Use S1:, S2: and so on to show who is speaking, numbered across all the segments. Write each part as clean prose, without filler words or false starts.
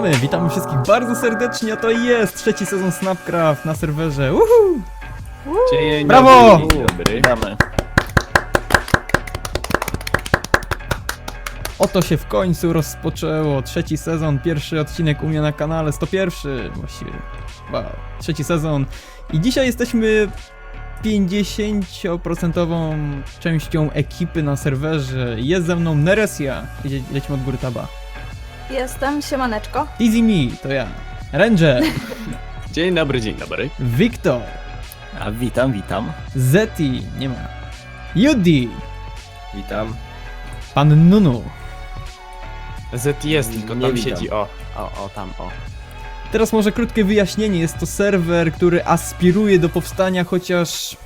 S1: Witamy wszystkich bardzo serdecznie, a to jest trzeci sezon Snapcraft na serwerze. Uhu!
S2: Dzień
S1: Brawo!
S2: dobry.
S3: Witamy.
S1: Oto się w końcu rozpoczęło trzeci sezon, pierwszy odcinek u mnie na kanale, 101 właściwie. Wow, trzeci sezon. I dzisiaj jesteśmy 50% częścią ekipy na serwerze. Jest ze mną Neresia. Lecimy od góry taba.
S4: Jestem, siemaneczko.
S1: Easy Me, to ja. Ranger,
S2: Dzień dobry, dzień dobry.
S1: Wiktor,
S3: A witam.
S1: Zeti, nie ma. Judy,
S2: Witam.
S1: pan Nunu.
S2: Z jest, tylko
S3: Nie
S2: tam
S3: witam.
S2: siedzi, tam.
S1: Teraz może krótkie wyjaśnienie. Jest to serwer, który aspiruje do powstania chociaż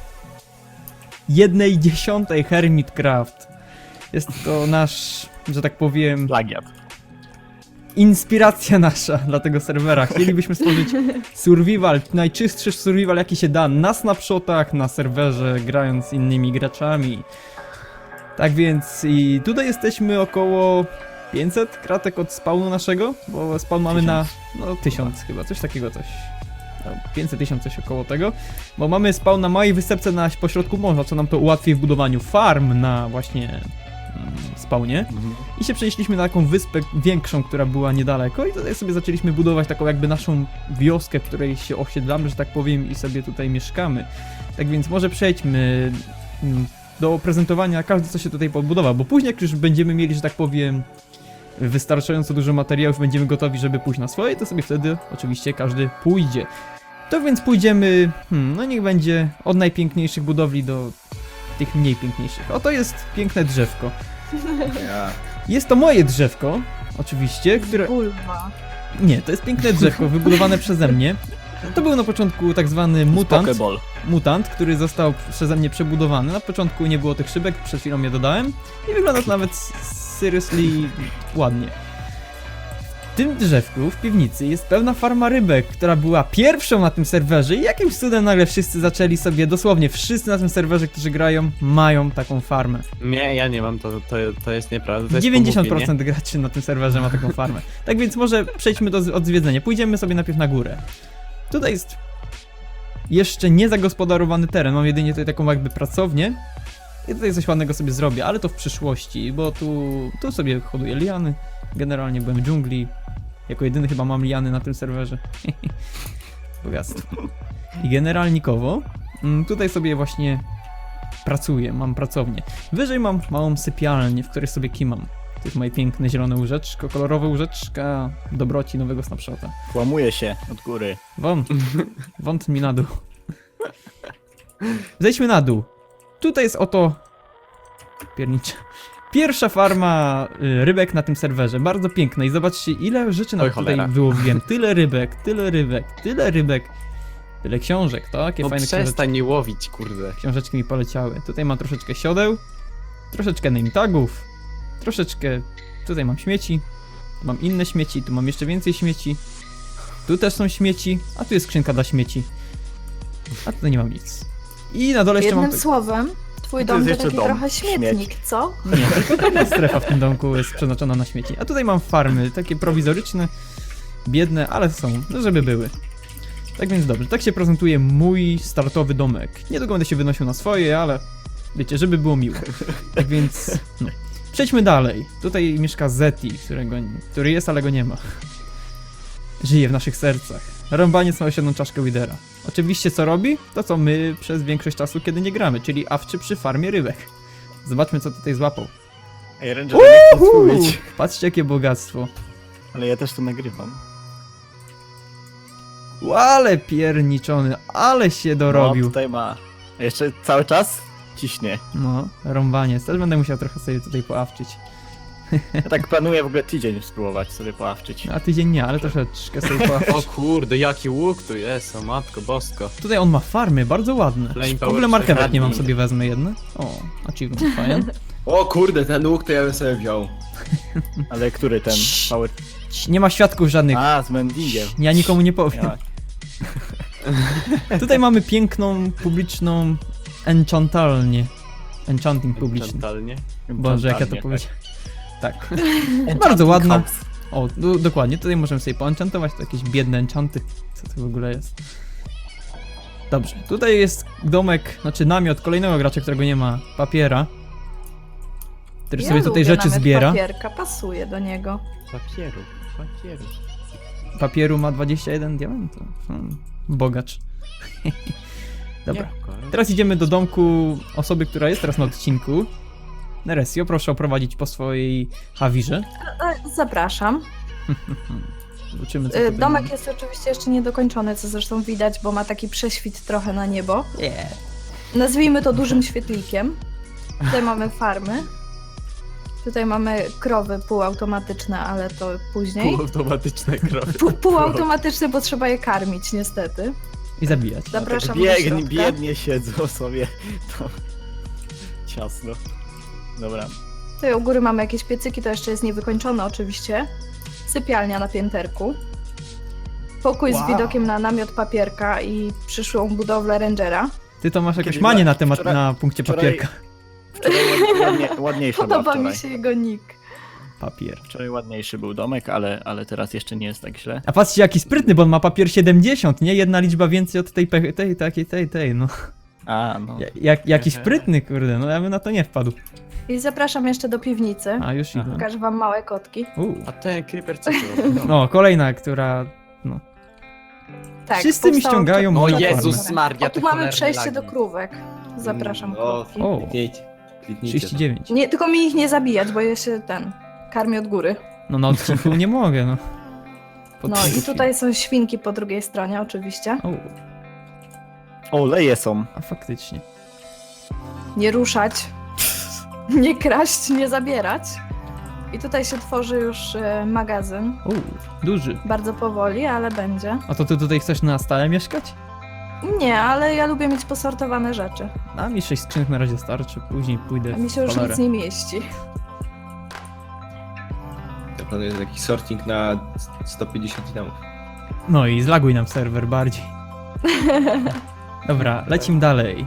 S1: 1/10 Hermitcraft. Jest to nasz, że tak powiem,
S3: Plagiat.
S1: inspiracja nasza dla tego serwera. Chcielibyśmy stworzyć survival, najczystszy survival jaki się da na snapshotach, na serwerze, grając z innymi graczami. Tak więc i tutaj jesteśmy około 500 kratek od spawnu naszego, bo spawn mamy na 1000 chyba, coś takiego, coś. 500 1000 coś około tego, bo mamy spawn na małej wysepce na pośrodku morza, co nam to ułatwi w budowaniu farm na właśnie spawnie. I się przenieśliśmy na taką wyspę większą, która była niedaleko i tutaj sobie zaczęliśmy budować taką jakby naszą wioskę, w której się osiedlamy, że tak powiem, i sobie tutaj mieszkamy. Tak więc może przejdźmy do prezentowania każdy, co się tutaj podbudował, bo później jak już będziemy mieli, że tak powiem, wystarczająco dużo materiałów, będziemy gotowi, żeby pójść na swoje, to sobie wtedy oczywiście każdy pójdzie. To więc pójdziemy, no niech będzie od najpiękniejszych budowli do tych mniej piękniejszych. Oto jest piękne drzewko. Jest to moje drzewko, oczywiście, które...
S4: Bulwa.
S1: Nie, to jest piękne drzewko wybudowane przeze mnie. To był na początku tak zwany mutant, który został przeze mnie przebudowany. Na początku nie było tych szybek, przed chwilą je dodałem i wygląda to nawet seriously ładnie. W tym drzewku, w piwnicy, jest pełna farma rybek, która była pierwszą na tym serwerze i jakimś cudem nagle wszyscy zaczęli sobie, dosłownie wszyscy na tym serwerze, którzy grają, mają taką farmę.
S2: Nie, ja nie mam, to jest nieprawda. To jest
S1: 90%
S2: pomówienie.
S1: graczy na tym serwerze ma taką farmę. Tak więc może przejdźmy do odzwiedzenia. Pójdziemy sobie najpierw na górę. Tutaj jest jeszcze nie zagospodarowany teren, mam jedynie tutaj taką jakby pracownię. I tutaj coś ładnego sobie zrobię, ale to w przyszłości, bo tu sobie hoduję liany. Generalnie byłem w dżungli. Jako jedyny chyba mam liany na tym serwerze. Bogactwo. I generalnikowo tutaj sobie właśnie pracuję, mam pracownię. Wyżej mam małą sypialnię, w której sobie kimam. To jest moje piękne zielone łóżeczko, kolorowe łóżeczka dobroci nowego snapshota.
S3: Kłamuje się od góry.
S1: Wąt mi na dół. Zejdźmy na dół. Tutaj jest oto... piernicze. Pierwsza farma rybek na tym serwerze, bardzo piękna i zobaczcie ile rzeczy nam
S2: Oj,
S1: tutaj
S2: cholera.
S1: wyłowiłem. Tyle rybek, tyle książek, takie
S2: No
S1: fajne książeczki.
S2: przestań nie łowić, kurde.
S1: Książeczki mi poleciały. Tutaj mam troszeczkę siodeł, troszeczkę name tagów, troszeczkę... Tutaj mam śmieci, tu mam inne śmieci, tu mam jeszcze więcej śmieci. Tu też są śmieci, a tu jest skrzynka dla śmieci. A tutaj nie mam nic. I na dole jeszcze mam...
S4: Jednym słowem, twój
S3: To
S4: dom
S3: jest
S4: to
S3: jeszcze
S4: taki
S3: dom.
S4: trochę śmietnik, co?
S1: Nie, tylko taka strefa w tym domku jest przeznaczona na śmieci. A tutaj mam farmy, takie prowizoryczne, biedne, ale są, no żeby były. Tak więc dobrze, tak się prezentuje mój startowy domek. Niedługo będę się wynosił na swoje, ale wiecie, żeby było miło. Tak więc, no. Przejdźmy dalej. Tutaj mieszka Zeti, który jest, ale go nie ma. Żyje w naszych sercach. Rąbaniec ma osiedlą czaszkę Widera. Oczywiście co robi? To co my przez większość czasu, kiedy nie gramy, czyli awczy przy farmie rybek. Zobaczmy co tutaj złapał.
S3: Ej, Ranger, nie chcę mówić.
S1: Patrzcie jakie bogactwo.
S3: Ale ja też to nagrywam.
S1: Ale pierniczony, ale się
S3: No,
S1: dorobił.
S3: tutaj ma. A jeszcze cały czas ciśnie.
S1: No, rąbaniec. Też będę musiał trochę sobie tutaj poawczyć.
S3: Ja tak planuję w ogóle tydzień spróbować sobie poławczyć.
S1: A tydzień nie, ale troszeczkę sobie poawczyć.
S2: O kurde, jaki łuk tu jest, o matko bosko.
S1: Tutaj on ma farmy, bardzo ładne.
S2: Flame
S1: W
S2: Power
S1: ogóle marchewek
S2: 4.
S1: nie mam, sobie wezmę jedne. O, achievement, fajnie.
S5: O kurde, ten łuk to ja bym sobie wziął.
S3: Ale który ten? Power...
S1: Nie ma świadków żadnych.
S3: A, z mendingiem.
S1: Ja nikomu nie powiem.
S3: Ja.
S1: Tutaj mamy piękną, publiczną enchantalnię. Enchanting publiczny.
S2: Totalnie.
S1: Boże, jak ja to
S3: tak.
S1: powiedziałem. Tak. Bardzo ładna. O, dokładnie, tutaj możemy sobie poenchantować, to jakieś biedne enchanty. Co to w ogóle jest? Dobrze, tutaj jest domek, znaczy namiot kolejnego gracza, którego nie ma, Papiera. Który sobie tutaj
S4: lubię
S1: rzeczy
S4: namiot
S1: zbiera.
S4: Papierka, pasuje do niego.
S2: Papieru.
S1: Papieru ma 21 diamentów. Bogacz. Dobra. Teraz idziemy do domku osoby, która jest teraz na odcinku. Neresio, proszę oprowadzić po swojej hawirze.
S4: Zapraszam.
S1: Zobaczymy, co tutaj
S4: Domek
S1: mamy.
S4: jest oczywiście jeszcze niedokończony, co zresztą widać, bo ma taki prześwit trochę na niebo. Nazwijmy to dużym świetlikiem. Tutaj mamy farmy. Tutaj mamy krowy półautomatyczne, ale to później.
S2: Półautomatyczne krowy.
S4: Półautomatyczne, bo trzeba je karmić niestety.
S1: I zabijać.
S4: Zapraszam do
S3: Biegnie,
S4: środka.
S3: biednie siedzą sobie. To ciasno. Dobra.
S4: Tutaj u góry mamy jakieś piecyki, to jeszcze jest niewykończone oczywiście. Sypialnia na pięterku. Pokój z widokiem na namiot Papierka i przyszłą budowlę Rangera.
S1: Ty to masz jakąś
S3: Kiedy
S1: manię na
S3: była-
S1: temat,
S3: wczoraj-
S1: na punkcie
S3: wczoraj-
S1: papierka.
S3: Wczoraj ładniejsza była
S4: Podoba mi
S3: wczoraj.
S4: się jego nick.
S1: Papier.
S3: Wczoraj ładniejszy był domek, ale teraz jeszcze nie jest tak źle.
S1: A patrzcie jaki sprytny, bo on ma papier 70, nie? Jedna liczba więcej od tej, no.
S3: A, no.
S1: Jaki sprytny, kurde, no ja bym na to nie wpadł.
S4: I zapraszam jeszcze do piwnicy.
S1: A, już idę.
S4: Pokażę wam małe kotki.
S2: A ten creeper co to robi?
S1: No, kolejna, która... No.
S4: Tak,
S1: Wszyscy mi
S4: powstało
S1: ściągają
S4: to-
S1: moją
S2: O
S1: farmę.
S2: Jezus Maria,
S4: O, tu
S2: te
S4: mamy
S2: cholerne
S4: przejście do
S2: lagi.
S4: krówek. Zapraszam
S5: No,
S4: krówki.
S1: O,
S5: kliknijcie.
S1: 39.
S4: Nie, tylko mi ich nie zabijać, bo ja się karmię od góry.
S1: No na odcinku nie mogę, no. Pod
S4: No i
S1: odcinkiem.
S4: tutaj są świnki po drugiej stronie oczywiście.
S1: O,
S3: O, leje są.
S1: a faktycznie.
S4: Nie ruszać, nie kraść, nie zabierać. I tutaj się tworzy już magazyn.
S1: O, duży.
S4: Bardzo powoli, ale będzie.
S1: A to ty tutaj chcesz na stałe mieszkać?
S4: Nie, ale ja lubię mieć posortowane rzeczy.
S1: A mi 6 skrzynek na razie starczy, później pójdę
S4: A mi się już
S1: w cholerę.
S4: nic nie mieści.
S5: Ja planuję taki sorting na 150 damów.
S1: No i zlaguj nam serwer bardziej. Dobra, lecimy dalej.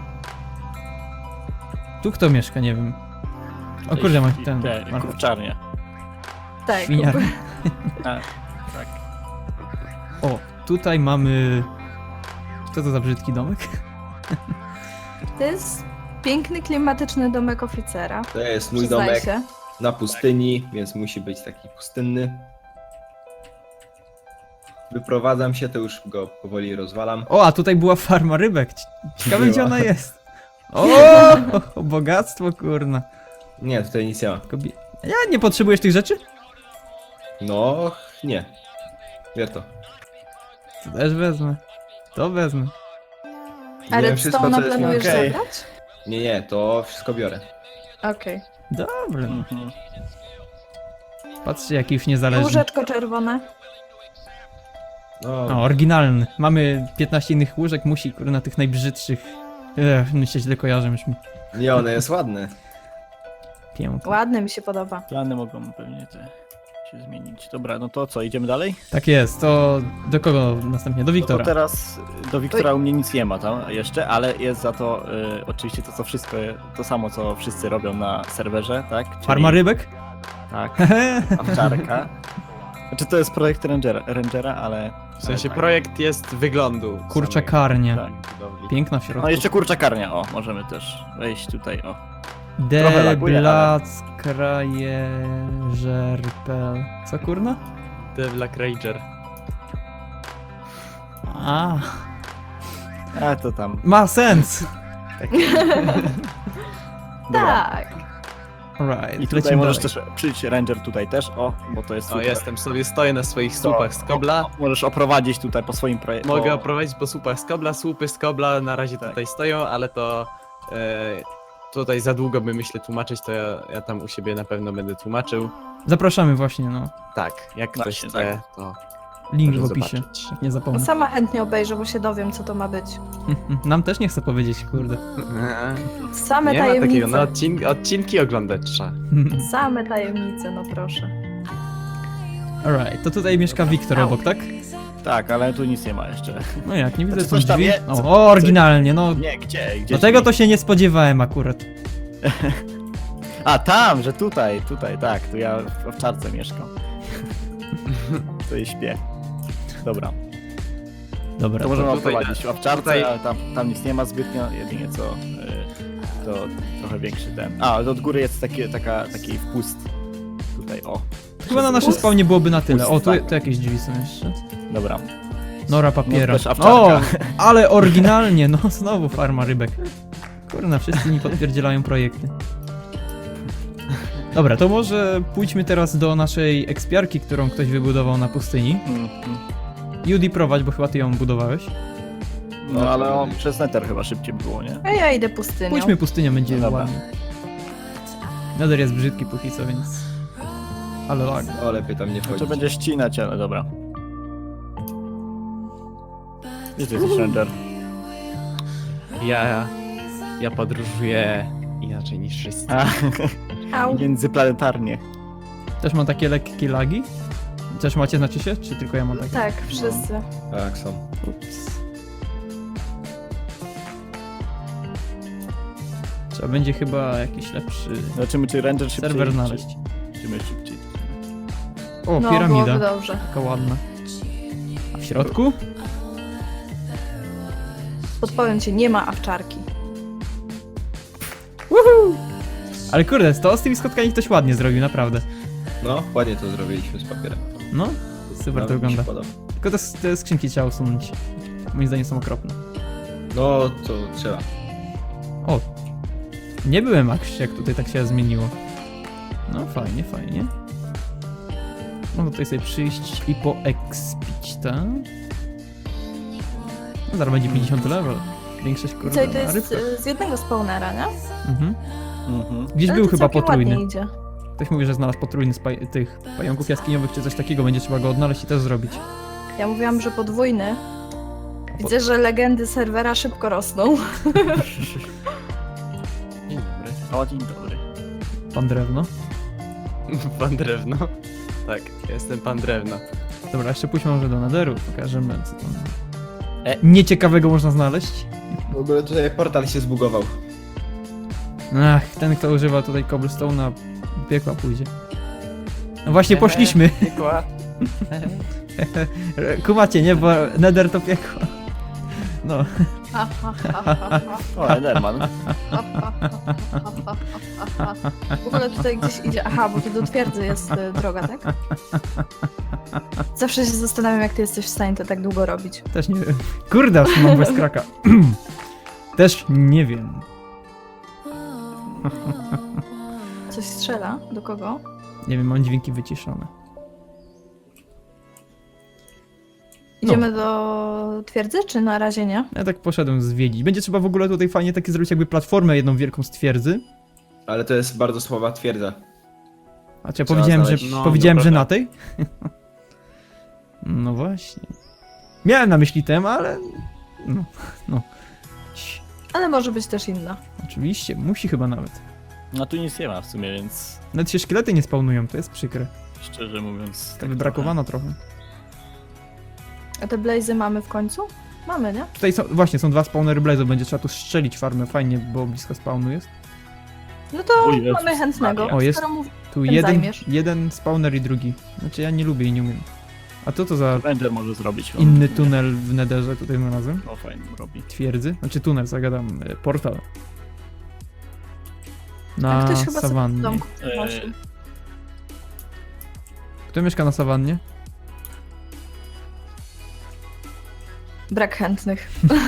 S1: Tu kto mieszka, nie wiem. O kurde, ma ten...
S3: Te,
S1: ma-
S3: kurczarnia.
S4: Tak.
S1: Świniar.
S3: A, tak.
S1: O, tutaj mamy... Co to za brzydki domek?
S4: To jest piękny, klimatyczny domek oficera.
S5: To jest mój
S4: Przyznaj
S5: domek
S4: się.
S5: na pustyni, więc musi być taki pustynny. Wyprowadzam się, to już go powoli rozwalam.
S1: O, a tutaj była farma rybek. Ciekawe, gdzie
S5: Była.
S1: ona jest. O, bogactwo, kurna.
S5: Nie, tutaj nic nie ma.
S1: Ja nie potrzebujesz tych rzeczy?
S5: No, nie. Wiesz to.
S1: To też wezmę. To wezmę.
S4: A
S5: Wiem wszystko,
S4: redstone'a
S5: co jest
S4: planujesz
S3: okej.
S4: zabrać?
S5: Nie, to wszystko biorę.
S4: Okej.
S1: Dobra.
S3: Mhm.
S1: Patrzcie, jaki już niezależny.
S4: Łóżeczko czerwone.
S5: No,
S1: O, oryginalny. Mamy 15 innych łóżek, musi, kurna, tych najbrzydszych. Myślę, źle kojarzę już mi.
S5: nie, one jest ładne.
S1: Pięknie.
S4: Ładny mi się podoba.
S3: Plany mogą pewnie te się zmienić. Dobra, no to co, idziemy dalej?
S1: Tak jest, to do kogo następnie? Do
S3: No to
S1: Wiktora.
S3: teraz do Wiktora u mnie nic nie ma tam jeszcze, ale jest za to oczywiście to co wszystko, to samo co wszyscy robią na serwerze, tak? Czyli,
S1: Farma rybek?
S3: Tak, owczarka. Znaczy to jest projekt Rangera, ale...
S2: W sensie
S3: tak.
S2: projekt jest wyglądu.
S1: Kurczakarnia.
S3: Tak.
S2: budowli.
S1: Piękna w środku.
S3: No jeszcze kurczakarnia, o, możemy też wejść tutaj, o. trochę laguje, ale-
S1: Deblac, krajerzel. Co kurna?
S2: The Black Ranger.
S1: A,
S3: A to tam.
S1: ma sens.
S3: Dobra.
S4: Tak.
S1: Right,
S3: I tutaj
S1: lecimy
S3: możesz
S1: dalej.
S3: też przyjść Ranger tutaj też, o, bo to jest
S2: O,
S3: super.
S2: jestem sobie, stoję na swoich słupach z kobla.
S3: Możesz oprowadzić tutaj po swoim projekcie.
S2: Mogę oprowadzić po słupach z kobla, słupy z kobla na razie
S3: Tak.
S2: tutaj stoją, ale to tutaj za długo by myślę tłumaczyć, to ja tam u siebie na pewno będę tłumaczył.
S1: Zapraszamy właśnie, no.
S2: Tak, jak ktoś
S3: Właśnie,
S2: chce, to
S1: Link w
S2: może
S1: opisie,
S2: zobaczyć.
S1: jak nie zapomnę.
S4: Sama chętnie obejrzę, bo się dowiem, co to ma być.
S1: Nam też nie chcę powiedzieć, kurde.
S4: Same
S2: Nie ma
S4: tajemnice.
S2: takiego, no odcinki oglądać trzeba.
S4: Same tajemnice, no proszę.
S1: Alright, to tutaj mieszka Wiktor
S4: Au.
S1: obok, tak?
S3: Tak, ale tu nic nie ma jeszcze.
S1: No jak, nie widzę
S3: Znaczy,
S1: tu
S3: coś tam
S1: drzwi.
S3: je-
S1: O, oryginalnie, no.
S3: Nie, gdzie?
S1: No tego to się nie spodziewałem akurat.
S3: A tam, że tutaj, tak, tu ja w owczarce mieszkam. To i śpię. Dobra,
S1: Dobra,
S3: to możemy
S2: tutaj-
S3: oprowadzić ławczarce,
S2: tutaj-
S3: ale tam nic nie ma zbytnio, jedynie co to trochę większy ten. A, od góry jest taki wpust. Tutaj, o.
S1: chyba na naszym spawnie byłoby na tyle. O, tu
S3: Tak.
S1: jakieś drzwi są jeszcze.
S3: Dobra.
S1: Nora papiera.
S3: No, też awczarka.
S1: O, ale oryginalnie, no znowu farma rybek. Kurna, wszyscy mi podpierdzielają projekty. Dobra, to może pójdźmy teraz do naszej ekspiarki, którą ktoś wybudował na pustyni. Judy, prowadź, bo chyba ty ją budowałeś.
S3: No ale przez Nether chyba szybciej było, nie?
S4: A ja idę pustynią.
S1: Pójdźmy pustynią, będzie
S3: Dobra.
S1: ładnie. Nether jest brzydki póki co, więc... Ale lag.
S5: O, lepiej tam nie
S3: To
S5: wchodzić.
S3: będzie ścinać, ale dobra. Gdzie ty jesteś, Ranger?
S2: Ja podróżuję inaczej niż wszyscy.
S3: A,
S4: Au.
S3: międzyplanetarnie.
S1: Też mam takie lekkie lagi? Też macie, znaczy się? Czy tylko ja mam takie?
S4: Tak, wszyscy.
S5: Tak, są.
S1: Ups. Trzeba będzie chyba jakiś lepszy
S3: Zobaczymy, czy Ranger szybciej...
S1: serwer znaleźć.
S3: Czy my szybciej.
S1: O,
S4: No,
S1: piramida.
S4: byłoby dobrze.
S1: Taka ładna. A w środku?
S4: Podpowiem ci, nie ma awczarki.
S1: Ale kurde, to z tymi skotkami ktoś ładnie zrobił, naprawdę.
S5: No, ładnie to zrobiliśmy z papierem.
S1: No, super
S5: Nawet
S1: to
S5: mi się
S1: wygląda.
S5: podoba.
S1: Tylko te skrzynki trzeba usunąć. Moim zdaniem są okropne.
S5: No, to trzeba.
S1: O, nie byłem jak tutaj tak się zmieniło. No, fajnie, fajnie. Mogę tutaj sobie przyjść i poekspić, tak? No, zaraz będzie 50 level. Większość
S4: I
S1: kurde
S4: co, i to
S1: na
S4: jest
S1: rybkach.
S4: z jednego spawnera, nie?
S1: Mhm.
S3: Mhm.
S1: Gdzieś
S4: Ale
S1: był
S4: to
S1: chyba
S4: całkiem
S1: potrójny.
S4: ładnie idzie.
S1: Ktoś mówi, że znalazł potrójny z tych pająków jaskiniowych czy coś takiego. Będzie trzeba go odnaleźć i też zrobić.
S4: Ja mówiłam, że podwójny. Widzę, że legendy serwera szybko rosną.
S2: Dzień dobry.
S3: O, dzień dobry.
S1: Pan drewno.
S2: Pan Drewno. Tak, jestem pan Drewno.
S1: Dobra, jeszcze pójdźmy może do Netheru. Pokażemy co tam
S3: E.
S1: nieciekawego można znaleźć.
S5: W ogóle tutaj portal się zbugował.
S1: Ach, ten kto używa tutaj cobblestone'a piekła pójdzie. No właśnie poszliśmy.
S2: Piekła.
S1: Kumacie, nie? Bo Nether to piekło. No.
S4: Ha, ha, ha, ha, ha.
S3: O, Enderman.
S4: W ogóle tutaj gdzieś idzie. Aha, bo tu do twierdzy jest droga, tak? Zawsze się zastanawiam, jak ty jesteś w stanie to tak długo robić.
S1: Też nie wiem. Kurde, aż mam bez kraka. Też nie wiem.
S4: Coś strzela? Do kogo?
S1: Nie wiem, mam dźwięki wyciszone.
S4: Idziemy do twierdzy, czy na razie nie?
S1: Ja tak poszedłem zwiedzić. Będzie trzeba w ogóle tutaj fajnie takie zrobić jakby platformę jedną wielką z twierdzy.
S5: Ale to jest bardzo słaba twierdza.
S1: A czy ja
S5: Trzeba
S1: powiedziałem, że,
S5: znaleźć-
S2: no,
S1: powiedziałem, że
S2: dobra.
S1: na tej? No właśnie. Miałem na myśli tem, ale... No.
S4: Ale może być też inna.
S1: Oczywiście, musi chyba nawet.
S3: No tu nic nie ma w sumie, więc
S1: Nawet się szkielety nie spawnują, to jest przykre.
S3: szczerze mówiąc...
S1: Tak wybrakowano trochę.
S4: A te blazy mamy w końcu? Mamy, nie?
S1: Tutaj są, właśnie, są dwa spawnery blaze'ów, będzie trzeba tu strzelić farmę, fajnie, bo blisko spawnu jest.
S4: No to
S3: O Jezus
S4: mamy chętnego.
S1: O, jest-
S4: Skoro mówi-
S1: Tu
S4: Tym zajmiesz.
S1: jeden spawner i drugi. Znaczy ja nie lubię i nie umiem. A to za
S3: Ranger może zrobić.
S1: inny tunel w Netherze tutaj znalazłem?
S3: O, fajnie robi.
S1: Twierdzy? Znaczy tunel, zagadam, portal.
S4: A
S1: Na
S4: ktoś chyba sobie w
S1: sawannie.
S4: domku
S3: Eee.
S4: przynosił.
S1: Kto mieszka na sawannie?
S4: Brak chętnych.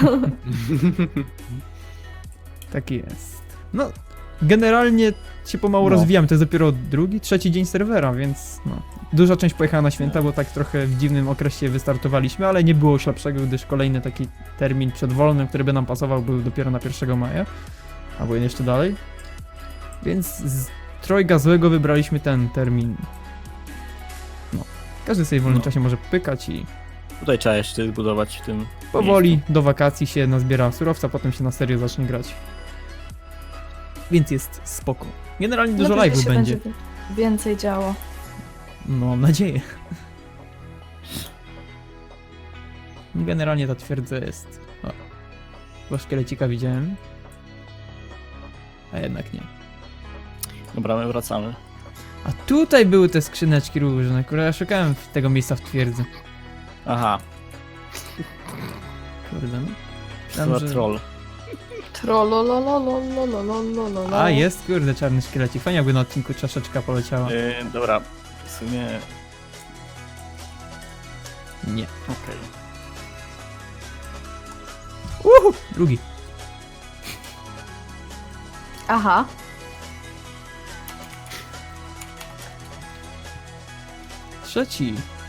S1: Tak jest. No, generalnie się pomału
S3: No.
S1: rozwijamy, to jest dopiero drugi, trzeci dzień serwera, więc no. Duża część pojechała na święta, bo tak trochę w dziwnym okresie wystartowaliśmy, ale nie było już lepszego, gdyż kolejny taki termin przedwolny, który by nam pasował, był dopiero na 1 maja, albo jeszcze dalej. Więc z trojga złego wybraliśmy ten termin. No. Każdy sobie w wolnym
S3: No.
S1: czasie może pykać i
S3: Tutaj trzeba jeszcze zbudować w tym
S1: powoli do wakacji się nazbiera surowca, potem się na serio zacznie grać. Więc jest spoko. Generalnie dużo
S4: No, później
S1: live'ów
S4: się
S1: będzie.
S4: Więcej działo.
S1: No, mam nadzieję. Generalnie ta twierdza jest... O, bo szkielecika widziałem. A jednak nie.
S3: Dobra, my wracamy.
S1: A tutaj były te skrzyneczki różne, które ja szukałem tego miejsca w twierdzy.
S3: Aha,
S1: Kurde, no.
S3: to
S1: Myślałem, że-
S3: troll.
S4: Trollolololololololololol.
S1: A, jest, kurde, czarny szkielecik. Fajnie jakby na odcinku czaszeczka poleciała.
S3: Dobra, w sumie...
S1: Nie.
S3: Okej.
S1: Drugi.
S4: Aha.
S1: Trzeci.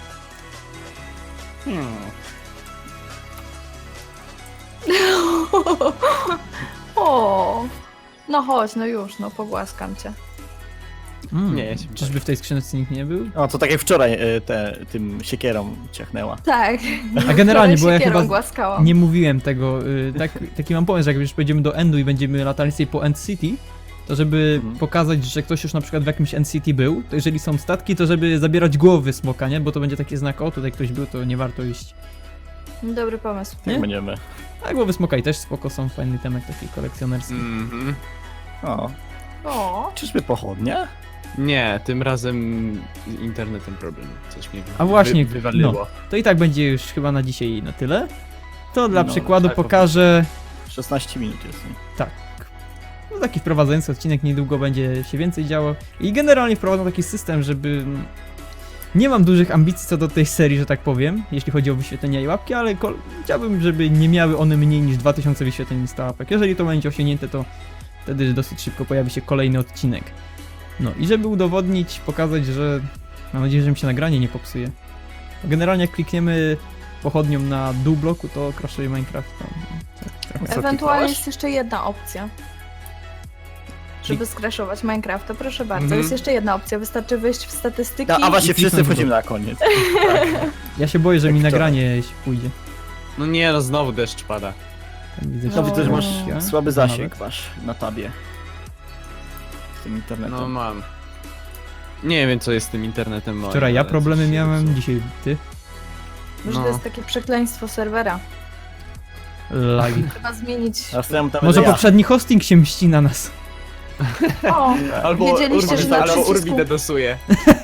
S4: O. No chodź, no już, no pogłaskam cię.
S1: Mm.
S2: Nie, ja się
S1: Czyżby w tej skrzyneczce nikt nie był?
S3: O, to tak jak wczoraj tym siekierą ciachnęła.
S4: Tak.
S1: A generalnie, bo ja
S4: Siekierą
S1: chyba
S4: głaskałam.
S1: nie mówiłem tego. Taki mam pomysł, że jak już pojedziemy do Endu i będziemy latali sobie po End City, to żeby
S3: Mhm.
S1: pokazać, że ktoś już na przykład w jakimś End City był, to jeżeli są statki, to żeby zabierać głowy smoka, nie? Bo to będzie taki znak, o tutaj ktoś był, to nie warto iść.
S4: Dobry pomysł.
S1: Nie?
S3: Jak będziemy.
S1: A głowy smoka i też spoko, są fajny temat taki kolekcjonerski.
S2: Mhm.
S3: O,
S4: O.
S3: czyżby pochodnia?
S2: Nie, tym razem z internetem problem. Coś mnie
S1: A właśnie,
S2: wywaliło.
S1: To i tak będzie już chyba na dzisiaj na tyle. To dla
S3: No,
S1: przykładu
S2: tak,
S1: pokażę
S3: 16 minut jest.
S1: no, taki wprowadzający odcinek, niedługo będzie się więcej działo. I generalnie wprowadzam taki system, żeby... Nie mam dużych ambicji co do tej serii, że tak powiem, jeśli chodzi o wyświetlenia i łapki, ale chciałbym, żeby nie miały one mniej niż 2000 wyświetleń i 100 łapek. Jeżeli to będzie osiągnięte, to wtedy dosyć szybko pojawi się kolejny odcinek. No i żeby udowodnić, pokazać, że... Mam nadzieję, że mi się nagranie nie popsuje. Generalnie jak klikniemy pochodnią na dół bloku, to crashuje Minecraft. No, trochę.
S3: Co,
S4: Ewentualnie
S3: kliknąłeś?
S4: jest jeszcze jedna opcja. Żeby skraszować Minecrafta, proszę bardzo.
S2: Mhm.
S4: Jest jeszcze jedna opcja, wystarczy wejść w statystyki.
S3: No, a właśnie
S1: I
S3: wszyscy
S1: kliknąć
S3: wchodzimy na koniec.
S1: Ja się boję, że
S3: Jak
S1: mi
S3: wczoraj.
S1: nagranie się pójdzie.
S2: No nie, no znowu deszcz pada.
S1: Tam widzę,
S4: No,
S3: No widzę, że masz
S1: ja?
S3: słaby
S1: Nawet.
S3: zasięg masz na tabie. Z tym internetem.
S2: No mam. Nie wiem co jest z tym internetem moim.
S1: Wczoraj ja
S2: ale
S1: problemy
S2: coś się
S1: miałem,
S2: zepsuło.
S1: dzisiaj ty.
S4: Może
S2: No.
S4: to jest takie przekleństwo serwera.
S1: Lagi.
S4: Trzeba zmienić.
S3: A z tym tam
S1: Może
S3: ja.
S1: poprzedni hosting się mści na nas.
S4: O,
S2: Albo
S4: Wiedzieliście,
S2: Urbi,
S4: że na
S2: albo
S4: przycisku-
S2: Urbi dedosuje.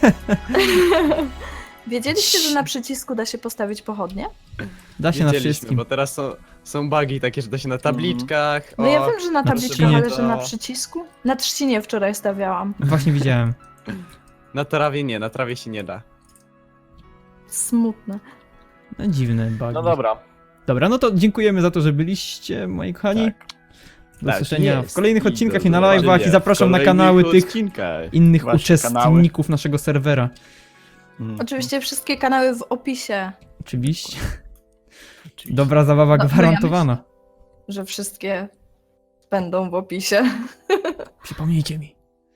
S4: wiedzieliście, że na przycisku da się postawić pochodnie?
S1: Da się na
S2: Wiedzieliśmy,
S1: wszystkim.
S2: bo teraz są bugi takie, że da się na tabliczkach.
S4: No ja wiem, że na tabliczkach,
S1: trzcinie
S4: ale że
S2: to-
S4: na przycisku? Na trzcinie wczoraj stawiałam.
S1: Właśnie widziałem.
S2: Na trawie nie, na trawie się nie da.
S4: Smutne.
S1: No dziwne bugi.
S3: No dobra.
S1: Dobra, no to dziękujemy za to, że byliście, moi kochani.
S3: Tak.
S1: Do
S2: Tak
S1: słyszenia w
S2: jest.
S1: kolejnych
S2: I
S1: odcinkach
S2: do
S1: i na live'ach
S2: zobaczenia
S1: i zapraszam
S2: w
S1: na
S2: kolejnych
S1: kanały tych
S2: odcinkach.
S1: innych
S3: Wasze
S1: uczestników naszego serwera.
S4: Oczywiście wszystkie kanały w opisie,
S1: Oczywiście.
S3: Oczywiście.
S1: Dobra zabawa
S4: No,
S1: gwarantowana.
S4: że wszystkie będą w opisie.
S1: Przypomnijcie mi.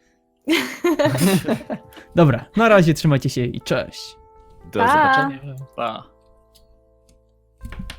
S1: Dobra, na razie trzymajcie się i cześć.
S2: Do
S4: Pa.
S2: zobaczenia.
S3: Pa.